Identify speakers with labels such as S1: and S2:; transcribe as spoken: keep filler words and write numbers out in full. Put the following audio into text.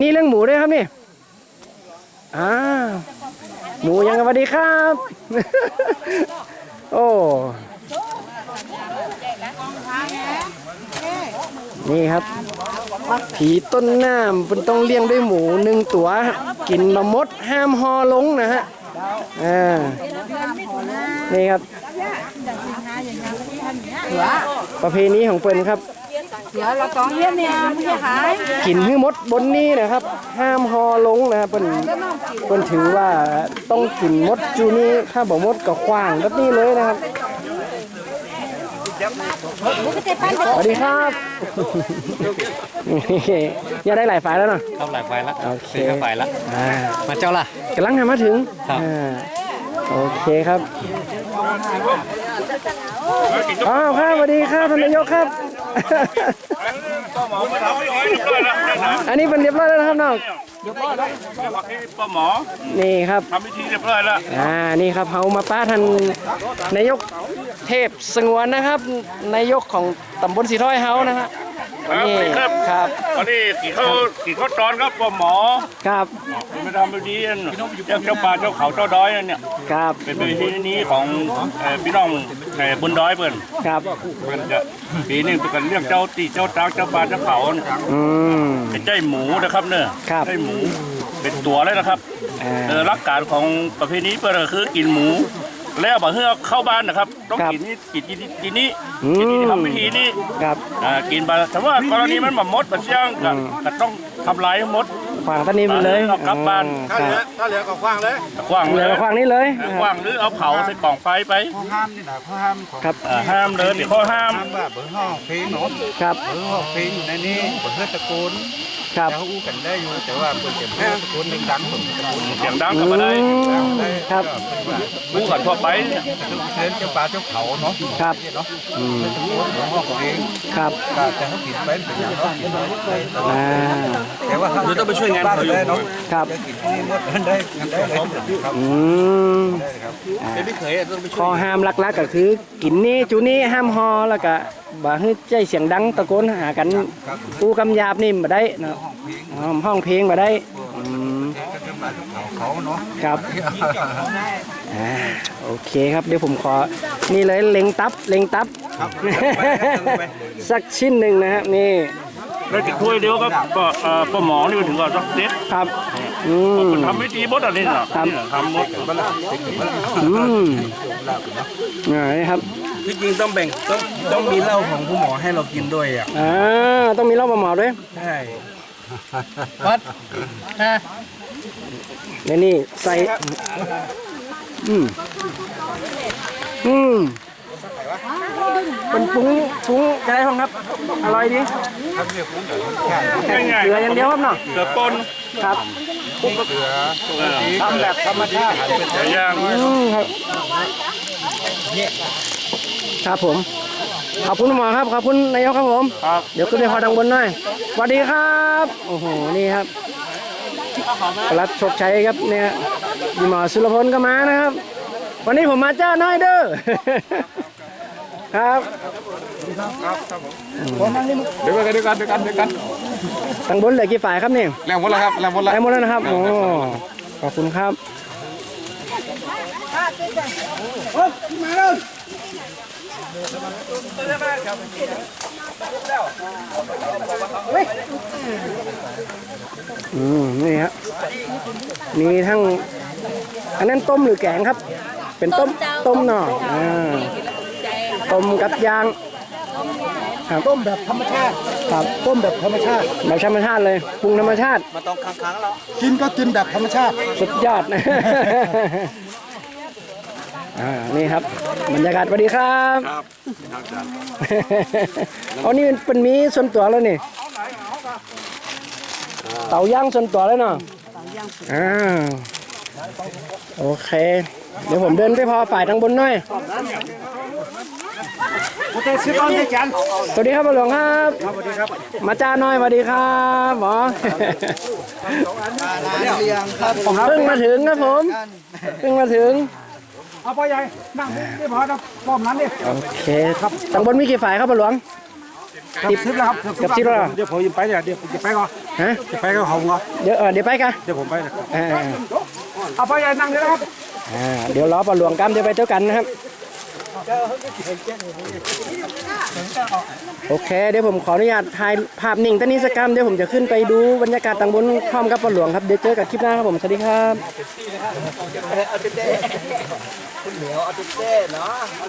S1: นี่เรื่องหมูด้วยครับนี่อ่าหมูยังสวัสดีครับ โอ้นี่ครับผีต้นน้ำเป็นต้องเลี้ยงด้วยหมูหนึ่งตัวกินมะมดห้ามฮอลงนะฮะอ่านี่ครับประเพณีของเปิ้นครับ
S2: เดี๋ยวเราต้องเยี่ยมเนี่ยไม่ใช่ขาย
S1: กินให้มดบนนี้นะครับห้ามฮอลงนะครับเปิ้นเปิ้นถือว่าต้องกินมดจูนี่ถ้าบอกมดก็ขว้างแบบนี้เลยนะครับสวัสดีครับอย่าได้หลายฝ่ายแล้วเนาะ
S3: เข้าหลายฝ่ายแล้ว
S1: โอเค
S3: ฝ่ายแล้วมาเจ้าล่ะ
S1: กำลังทำมาถึงโอเคครับอ้าวครับสวัสดีครับท่านนายกครับอันนี้เป็นเรียบร้อยแล้วนะครับน้อง
S4: เรียบร้อยแล้วป้าหมอ
S1: นี่ครับ
S4: ทำพิธีเรียบร้อยแล้ว
S1: อ่านี่ครับเฮามาป้าท่านนายกเทพสงวนนะครับนายกของตำบลสีถ้อยเฮานะฮะ
S4: นี่
S1: ครับครับ
S4: วันนี้กี่เขากี่เขาตอนครับป้าหมอ
S1: ครับ
S4: ไม่ทำพิธีเจ้าเจ้าป่าเจ้าเขาเจ้าดอยเนี่ย
S1: ครับ
S4: เป็นพิธีนี้ของพี่น้องบนดอยเพิ่น
S1: ครับ
S4: มันจะปีนี้เป็นเรื่องเจ้าตีเจ้าตากเจ้าป่าเจ้าเขา
S1: อืม
S4: เป็นใจหมูนะครับเนี่ยใจหมูเป็นตัวเลยนะครับหลักการของประเพณีเปิดก็คือกินหมูแล้วบ่เฮือเข้าบ้านนะครับต้องกินนี่กินกินนี้กินนี้ทำพิธีนี้กินไปแต่ว่ากรณีมันแบบมดแบบเชี่ยงก็ต้องทำลายมด
S1: ขวางต้นนี้ไปเลย
S4: กลับบ้านถ้าเหลือถ้าเหลือก็ขวางเลยขวางเลย
S1: ขวางนี้เลย
S4: ขวางหรือเอาเผาใส่กล่องไฟไป
S5: ข้อห้ามนี่นะข้อห้าม
S1: ครับ
S4: ห้ามเลยติดข้อห้าม
S5: ว่าเบอร์ห้องเพลงเนาะ
S1: ครับ
S5: เบอร์ห้องเพลงอยู่ในนี้เบอร์เฮือตะโกน
S1: ครับ
S5: แล้วอู้กันได้อยู่แต่ว่าเปิดเสียงตะโกนหนึ่งดังผมตะโกน
S4: เสียงดังกลับมาได้
S1: ครับ
S4: อู้กันทั่วไป
S5: เชิญเจ้าป่าเจ้าเขาเนาะ
S1: ครับ
S5: เนาะอืมตะโกนเบอร์ห้องของเอง
S1: ครับ
S5: แต่เขากินไปเป็นอย่างเนาะกินไป
S1: อ่า
S5: แต่ว่า
S4: เราต้องไปช่วยงานเขาอยู่
S5: เนาะ
S1: ครับ
S5: กินที่มดได้กันได้เลยครับ
S1: อืม
S5: เป็นไม่เคยต้องไปช่วย
S1: ข้อห้ามหลักๆก็คือกินนี่จูนี่ห้ามฮอแล้วก็บ่ให้ใจเสียงดังตะโกนหากันกูกำยาบนี่มาได้นะห้องเพลงมาได้
S5: เขาเนาะ
S1: ครับโอเคครับเดี๋ยวผมขอนี่เลยเล็งตับเล็งตับสักชิ้นหนึ่งนะครับนี่
S4: ได้ติดถ้วยเดียวครับก็ป้าหมอนี่ถึงก่อนสักเด็ด
S1: ครับอืม
S4: ทำไม่ดีมดอะไรนี่นะทำมด
S1: อืมนี่ครับ
S3: ที่จริงต้องแบ่งต้องต้องมีเหล้าของผู้หมอให้เรากินด้วยอ่ะ
S1: อ่าต้องมีเหล้าหมอด้วย
S3: ใช่วัดฮะ
S1: นี่นี่ใส่อืมอืมเป็นปุ้งปุ้งอะไรบ้างครับอร่อยดีเกลืออย่างเดียวครับเนาะ
S4: เกลือป่น
S1: ครับ
S5: เกลือทำแบบธรรมชาติ
S4: เป็นย่าง
S1: ครับครับผมขอบคุณหมอครับขอบคุณนายกครับผมเดี๋ยวขึ้นไปพอดังบนหน่อยสวัสดีครับโอ้โหนี่ครับรัฐโชคชัยครับเนี่ยดีหมอสุรพลก็มานะครับวันนี้ผมมาเจ้าน้อยเด้อครับ
S5: เดี๋ยวกันเดี๋ยวกันเดี๋ยวกันเดี๋ยวกัน
S1: ตังบนเหลือกี่ฝ่ายครับเนี่ย
S5: แรงหมดแล้วครับแรงหมดแล้ว
S1: แรงหมดแล้วนะครับโอ้ขอบคุณครับมาเลยอืมนี่ฮะมีทั้งอันนั้นต้มหรือแกงครับเป็นต้มต้มหน่ออ่าต้มกับยาง
S5: ต้มแบบธรรมชาติ
S1: ครับ
S5: ต้มแบบธรรมชาติ
S1: แบบธรรมชาติเลยปรุงธรรมชาติ
S5: มาต้องค้างๆแล้วกินก็กินแบบธรรมชาติ
S1: สุดยอดนะอ่านี่ครับบรรยากาศสวัสดีครับครับเอานี่เป็นมีส่วนตัวแล้วนี่เต่าย่างส่วนตัวแล้วเนาะอ่าโอเคเดี๋ยวผมเดินไปพอฝ่ายทางบนหน่อยสวัสดีครับหลวงครับสวัสดีครับมาจ้าหน่อยสวัสดีครับหมอผมเพิ่งมาถึงครับผมเพิ่งมาถึง
S5: เอาพ่อใหญ่นั่งที่พอนะป้อมนั้นดิ
S1: โอเคครับทางบนมีกี่ฝ่ายครับหลวงสิบ
S6: สิบแล้วครับ
S1: เกือบสิบแล้วเหรอ
S6: เดี๋ยวผมจะไปเนี่ยเดี๋ยวจะไปก่อน
S1: ฮะ
S6: จะไปก็ของเหรอ
S1: เดี๋ยวเออเดี๋ยวไปกัน
S6: เดี๋ยวผมไปนะครับ
S1: อ่า
S6: เอาไปนั่งเลยนะครับ
S1: อ่าเดี๋ยวรอปลาหลวงกันเดี๋ยวไปเที่ยวกันนะครับโอเคเดี๋ยวผมขออนุญาตถ่ายภาพนิ่งตอนนี้สักกรรมเดี๋ยวผมจะขึ้นไปดูบรรยากาศต่างบนพร้อมกับปลาหลวงครับเดี๋ยวเจอกันคลิปหน้าครับผมสวัสดีครับ